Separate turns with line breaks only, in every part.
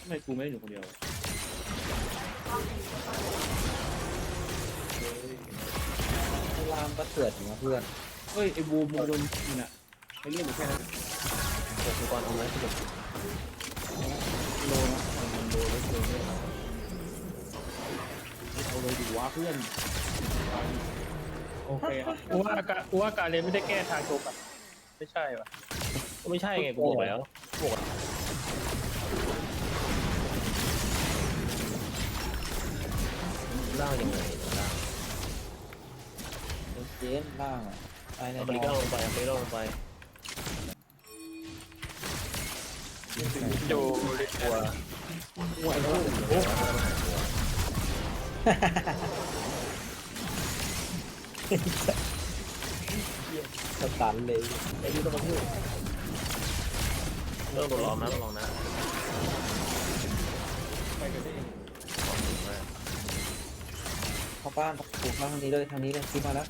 ไมกูไม่ได้อยู่คนเดียว
ไอ้รามก็เกิดอยู่นะเพื่อน
เฮ้ยไอ้บูมโดนยิงอ่ะไอ้เรื่องอยู่แค่นั้น
เกิดก่อนเอาไว้ที่แบบ
โลนะมันโลเล็กโลเนี่ยเอาเลยดีวะเพื่อนโอเคครับ
กูว่าการเรียนไม่ได้แก้ทางโชว์กับไม่ใช่ป่ะก็ไม่ใช่ไงกูบอกแล้วบอกล่างยังไงล่าง
เจนล่างอ่ะตายใน
เอา
น
ไป
อ
ก็ลงไปเอาไปก็ลงไปอยู่ตัว
หัวไอ้พูด
สตันเลย
ไอ้ยูต้องมาพูดเริ่มโดนล้อมนะลองนะ
ไปกันได้
เข้าบ้านถูกมาทางนี้เลยทางนี้เลยคิดมาแล้ว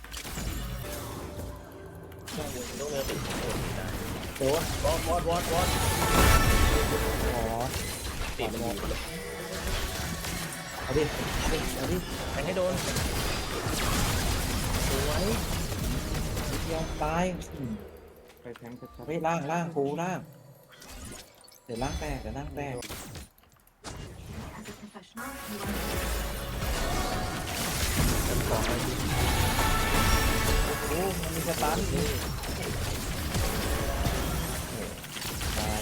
ต้องเนื้อติดโดนได้
โดน
วอด
อ๋อ
ติดมันอยู่
เอาดิเอาดิ
แทงให้โดนสวย
ยอมตาย
ไปแทงชัด
เฮ้ยล่างกูล่างเดี๋ยวล่างแตกของอะไรดิโอ้มันมีสตันดิตาย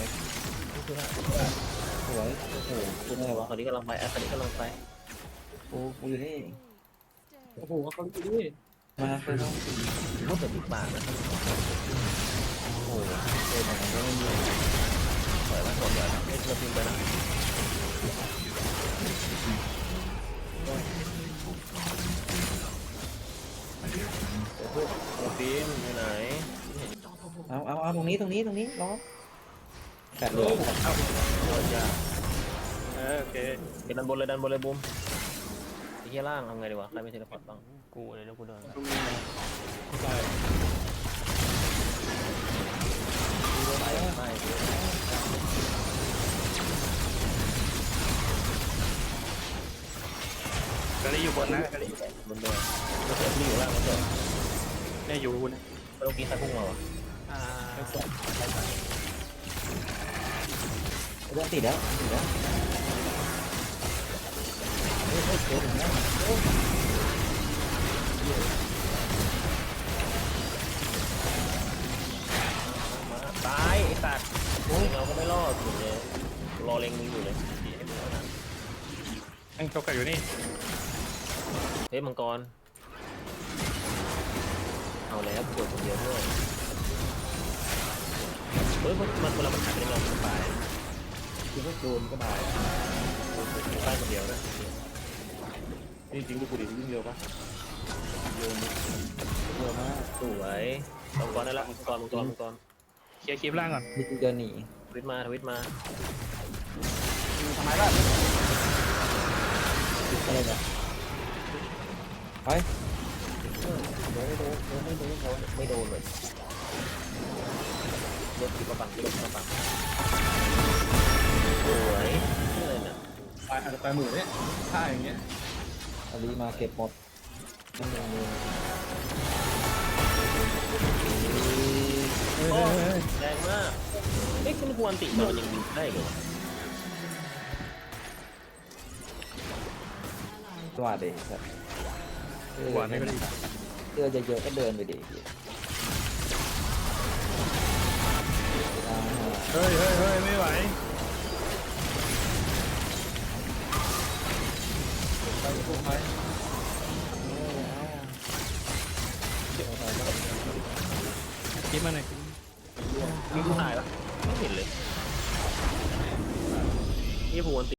สวยโอ้โหคุณอะไรวะ
ตอนนี้กำลังไปตอนนี้กำลังไป
กูอยู่นี่
โอ้โหเขาดูดิ
มาไปต้อง
พูดแบบติดปากนะ
โอ้โหเดินมาก็ไม่มี
ปล่อยมาสดเลยนะไม่เราพิมพ์ไปนะพวกเราพิมพ์อยู่ไหน
เอาตรงนี้ล้อแปดเลย
เราจะโอเคเดี๋ยวดันบนเลยบูมไอ้เหี้ยล่างทำไงดีวะใครไม่เทเลพอร์ตบ้างกูเลยแล้วกูเดิน
ใช่
ไม่
กะลีอยู่บนนะกะลี
บนเดินแล้วเกิดที่อยู่ล่างแล้วเกิด
เนี่ยอยู่นะ
เมื่อกี้ใครพุ่งมาวะ
เรื่องติดแล้วเฮ้ยเกิดถึงแล้ว
ตายไอ้สัตว์เราก็ไม่รอดอยู่เลยรอเล็งมึงอยู่เลยดีให้มึงนะ
ไอ้โชกัอยู่นี่
เฮ้ยมังกรเอาแล้วปวดคนเดียวด้วยเฮ้ยมันเวลามันหายไปเราตาย
คือถ้าโดนก็ได้
ตายคนเดียวนะ
จริงๆดูกูดิวิ่งเร็วปะโยน
เร็วมาก
สวยมังกรได้ละมังกร
เคลียร์คลิปล่างก่อน
นี่เดินหนี
ทวิตมา
ทำไมล่ะ
อะไรเนี่ยไป
ไม่โดนเลยรถขี่มาบังสวยนี่เลยเนี่ย
ตายอาจจะตายหมื่นเนี่ยถ้าอย่างเงี้ย
อาลีมาเก็บหมดนั่นเอง
แรงมากเอ๊ะคุณควรติมันยังยิงได้เหรอ
ว่าเด็กครับ
หวานไม่ก็ดี
เดินเยอะๆก็เดินไปดิ
เฮ้ยไม่ไหว
ไปพวกไม้
คลิปมาหน่อย
มีผู้ตายปะไม่เห็นเลยนี่พวน